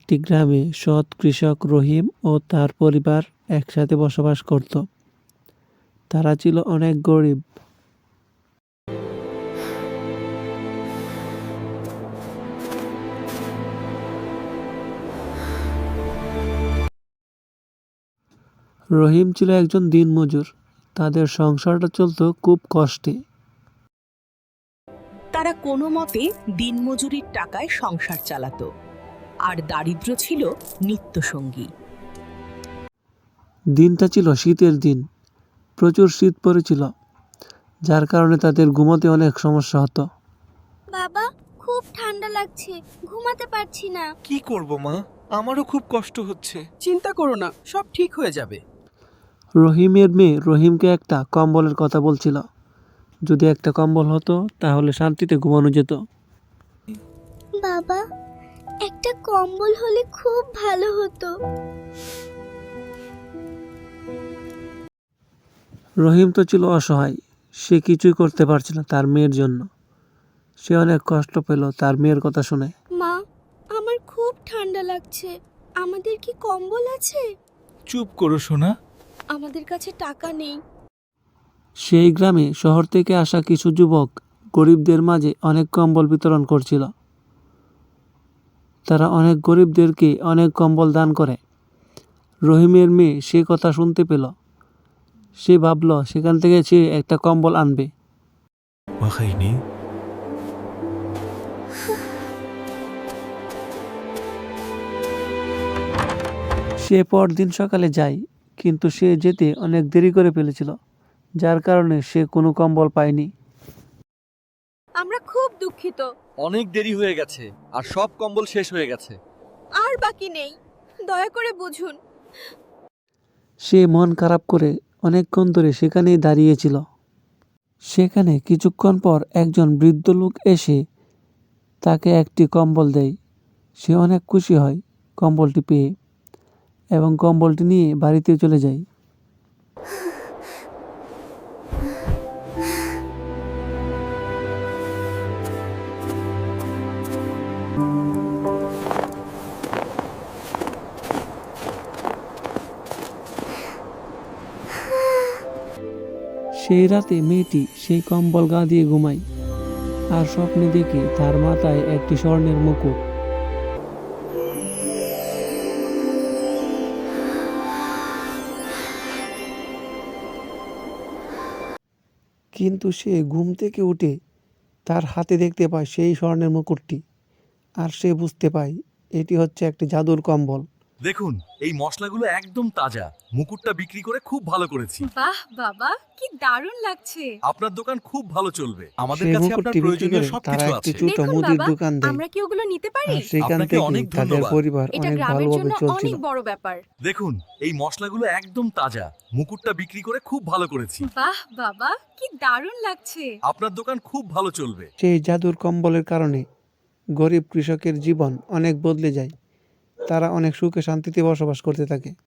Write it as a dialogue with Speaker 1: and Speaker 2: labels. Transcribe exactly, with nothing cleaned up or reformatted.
Speaker 1: একটি গ্রামে সৎ কৃষক রহিম ও তার পরিবার একসাথে বসবাস করত। তারা ছিল অনেক গরিব। রহিম ছিল একজন দিনমজুর। তাদের সংসারটা চলত খুব কষ্টে।
Speaker 2: তারা কোনো মতে দিনমজুরির টাকায় সংসার চালাতো, আর দারিদ্র ছিল নিত্যসঙ্গী।
Speaker 1: দিনটা ছিল শীতের দিন। প্রচুর শীত পড়েছিল, যার কারণে তাদের ঘুমোতে অনেক সমস্যা হতো।
Speaker 3: বাবা, খুব ঠান্ডা লাগছে, ঘুমাতে পারছি না।
Speaker 4: কি করব মা, আমারও খুব কষ্ট হচ্ছে।
Speaker 5: চিন্তা করো না, সব ঠিক হয়ে যাবে।
Speaker 1: রহিমের মেয়ে রহিমকে একটা কম্বলের কথা বলছিল। যদি একটা কম্বল হতো তাহলে শান্তিতে ঘুমানো যেত।
Speaker 3: বাবা, একটা কম্বল হলে খুব ভালো হতো।
Speaker 1: রহিম তো ছিল অসহায়। সে কিছুই করতে পারছিল না তার মেয়ের জন্য। সে অনেক কষ্ট পেল তার মেয়ের কথা শুনে।
Speaker 3: মা, আমার খুব ঠান্ডা লাগছে, আমাদের কি কম্বল আছে?
Speaker 4: চুপ করো সোনা।
Speaker 3: আমাদের কাছে টাকা নেই।
Speaker 1: সেই গ্রামে শহর থেকে আসা কিছু যুবক গরিবদের মাঝে অনেক কম্বল বিতরণ করছিল। তারা অনেক গরিবদেরকে অনেক কম্বল দান করে। রহিমের মেয়ে সে কথা শুনতে পেল। সে ভাবল সেখান থেকে সে একটা কম্বল আনবে। সে পরদিন সকালে যায়, কিন্তু সে যেতে অনেক দেরি করে ফেলেছিল, যার কারণে সে কোনো কম্বল পায়নি।
Speaker 3: আমরা খুব দুঃখিত,
Speaker 6: অনেক দেরি হয়ে গেছে আর সব কম্বল শেষ হয়ে গেছে।
Speaker 3: আর বাকি নেই, দয়া করে বুঝুন।
Speaker 1: সে মন খারাপ করে অনেকক্ষণ ধরে সেখানেই দাঁড়িয়েছিল। সেখানে কিছুক্ষণ পর একজন বৃদ্ধ লোক এসে তাকে একটি কম্বল দেয়। সে অনেক খুশি হয় কম্বলটি পেয়ে এবং কম্বলটি নিয়ে বাড়িতে চলে যায়। সেই রাতে মেয়েটি সেই কম্বল গা দিয়ে ঘুমায় আর স্বপ্নে দেখে তার মাথায় একটি স্বর্ণের মুকুট। কিন্তু সে ঘুম থেকে উঠে তার হাতে দেখতে পায় সেই স্বর্ণের মুকুটটি, আর সে বুঝতে পায় এটি হচ্ছে একটি জাদুর কম্বল।
Speaker 6: দেখুন, এই মশলাগুলো একদম তাজা। মুকুটটা বিক্রি করে খুব ভালো করেছি।
Speaker 7: বাহ বাবা, কি দারুণ লাগছে।
Speaker 6: আপনার দোকান খুব ভালো চলবে। আমাদের
Speaker 1: সেই
Speaker 6: কাছে আপনার
Speaker 1: মুকুটটি বিক্রি
Speaker 6: প্রয়োজনীয়
Speaker 1: করে তারা
Speaker 6: সবকিছু
Speaker 1: একটি
Speaker 6: আছে।
Speaker 1: ছোট
Speaker 7: দেখুন
Speaker 1: মুদির
Speaker 7: বাবা,
Speaker 1: দোকান দেয়।
Speaker 7: আমরা কি ওগুলো নিতে পারি?
Speaker 1: আর সেখান
Speaker 6: আপনাকে
Speaker 1: থেকে
Speaker 6: অনেক
Speaker 1: তাদের
Speaker 6: ধন্যবাদ।
Speaker 1: পরিবার
Speaker 7: এটা
Speaker 1: অনেক
Speaker 7: গ্রামের
Speaker 1: ভালোভাবে
Speaker 7: জন্য
Speaker 1: চলছিল।
Speaker 7: অনেক বড় ব্যাপার।
Speaker 6: দেখুন, এই মশলাগুলো একদম তাজা। মুকুটটা বিক্রি করে খুব ভালো করেছি।
Speaker 7: বাহ বাবা, কি দারুণ লাগছে।
Speaker 6: আপনার দোকান খুব ভালো চলবে।
Speaker 1: সেই জাদুর কম্বলের কারণে গরিব কৃষকের জীবন অনেক বদলে যায়। তারা অনেক সুখে শান্তিতে বসবাস করতে থাকে।